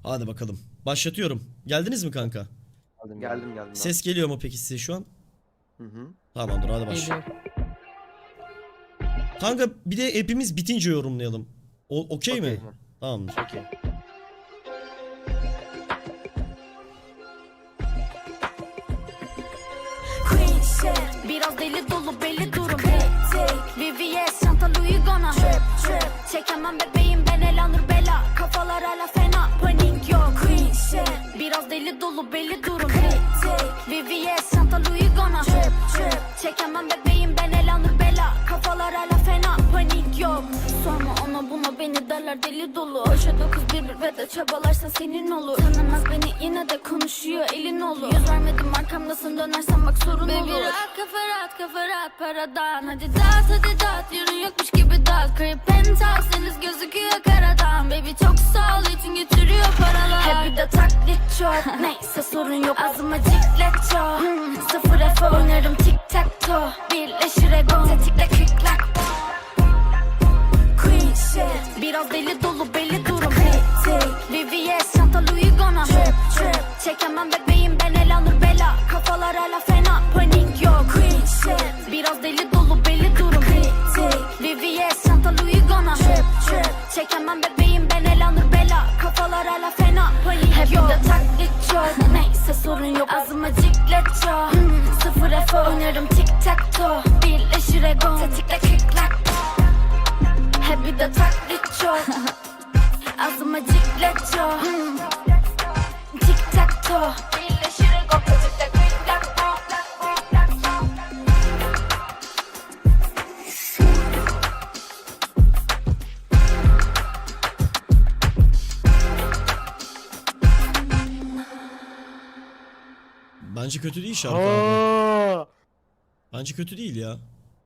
Hadi bakalım. Başlatıyorum. Geldiniz mi kanka? Geldim. Ses geliyor mu peki size şu an? Hı. Tamamdır, hadi başla. Kanka bir de hepimiz bitince yorumlayalım. Okey mi? Tamamdır. Okey. Biraz deli dolu belli durum. VVS çanta Louis Gona. Çekemem bebeğim ben Elanur Bela. Kafalar hala fena, panik yok. Biraz deli dolu belli durum. VVS çanta Louis Gona. Çekemem bebeğim ben Elanur Bela. Kafalar hala fena, panik yok. Sorma ona buna, beni derler deli dolu. Başa 911 ve de çabalarsa senin olur. Tanımaz beni yine de konuşuyor elin olur. Yüz vermedim arkamdasın, dönersen bak sorun olur. Baby rahat kafa rahat paradan. Hadi dağıt yarın yokmuş gibi dağıt. Crib penthouse deniz gözüküyor karadan. Baby çok sağ ol için getiriyor paralar. Hep bir de taklit çok. Neyse sorun yok, ağzıma ciklet çok. Sıfır F oynarım tic tac toe. Birleşir ego tetikle kıklak. Biraz deli dolu belli durum. VVS çanta Louis Gona. Çekemem bebeğim ben Elanur Bela. Kafalar hala fena, panik yok. Biraz deli dolu belli durum. VVS çanta Louis Gona. Çekemem bebeğim ben Elanur Bela. Kafalar hala fena, panik yok. Hep de taklit çok. Neyse sorun yok, ağzıma ciklet çok. Sıfır F oynarım tic tac toe. Birleşir ego tetikle kıklak. Hep bir de taklit çok. Ağzıma ciklet çok. Tic tac toe. Birleşir ego tetikle kıklak. Bence kötü değil şarkı abi. Bence kötü değil ya.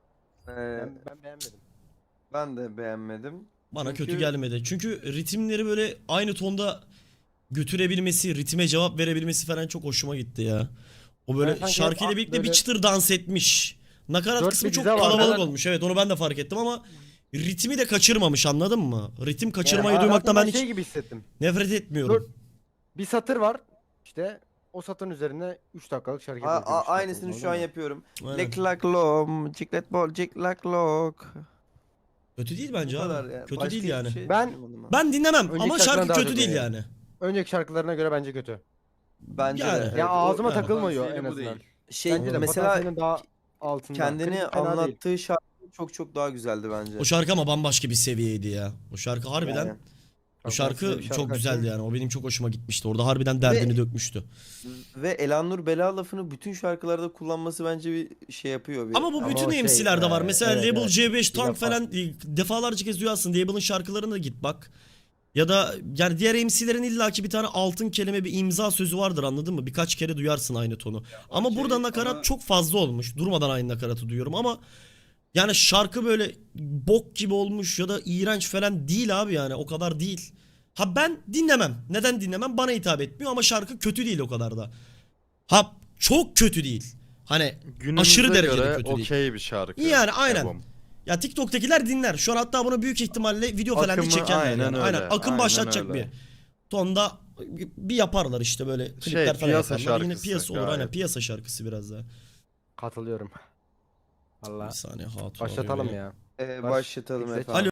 Ben beğenmedim. Ben de beğenmedim. Bana Çünkü- kötü gelmedi. Çünkü ritimleri böyle aynı tonda götürebilmesi, ritme cevap verebilmesi falan çok hoşuma gitti ya. O böyle sanki şarkıyla hep birlikte bir böyle- çıtır dans etmiş. Nakarat Dört kısmı bir çok dize var. kalabalık Ben- olmuş. Evet, onu ben de fark ettim ama ritmi de kaçırmamış, anladın mı? Ritim kaçırmayı Yani duymaktan ben hayatımda hiç şey gibi hissettim. nefret etmiyorum. Bir satır var. İşte o satırın üzerine 3 dakikalık şarkı yapıyormuş. Aynısını şu an yapıyorum. Aynen. Lick lak lom, ciklet bol, cik lak lok. Kötü değil bence Bu kadar abi. ya. Kötü Başka değil hiçbir yani. şey Ben- duymadım ben. Ben dinlemem Önceki ama şarkıdan şarkı daha kötü çok değil beğendim. yani. Önceki şarkılarına göre bence kötü. Bence Yani. de. Ya evet. Ya ağzıma O- takılmıyor en potansiyeli bu azından. değil. Şey Bence de mesela potansiyelin daha altında. kendini Klip fena değil. anlattığı şarkı çok daha güzeldi bence. O şarkı ama bambaşka bir seviyeydi ya. O şarkı harbiden, Yani. o Bak, şarkı ben size bir çok şarkı güzeldi açayım. yani. O benim çok hoşuma gitmişti. Orada harbiden derdini dökmüştü. Ve Elanur Bela lafını bütün şarkılarda kullanması bence bir şey yapıyor. Ama bu Ama bütün o şey, MC'lerde var. Mesela evet, Label evet. C5 Bir Tank defa. falan defalarca kez duyarsın. Label'ın şarkılarına da git bak. Ya da yani diğer MC'lerin illaki bir tane altın kelime, bir imza sözü vardır, anladın mı? Birkaç kere duyarsın aynı tonu. Ama okey, burada nakarat ama- çok fazla olmuş. Durmadan aynı nakaratı duyuyorum ama yani şarkı böyle bok gibi olmuş ya da iğrenç falan değil abi, yani o kadar değil. Ha ben dinlemem. Neden dinlemem? Bana hitap etmiyor ama şarkı kötü değil o kadar da. Ha çok kötü değil. Hani Günümüze aşırı derecede göre kötü değil. okey bir şarkı. Yani aynen. Ebom. Ya TikTok'takiler dinler. Şu an hatta bunu büyük ihtimalle video falan da Akımı çekerler aynen yani. öyle, Aynen. Akım aynen başlatacak öyle. bir tonda bir yaparlar işte böyle klipler falan piyasa yaparlar. Yine şarkısı piyasa olur, gayet. aynen piyasa şarkısı biraz daha. Katılıyorum. Bir Allah. saniye hatun Başlatalım arıyor beni. ya. Başlatalım Baş- efendim.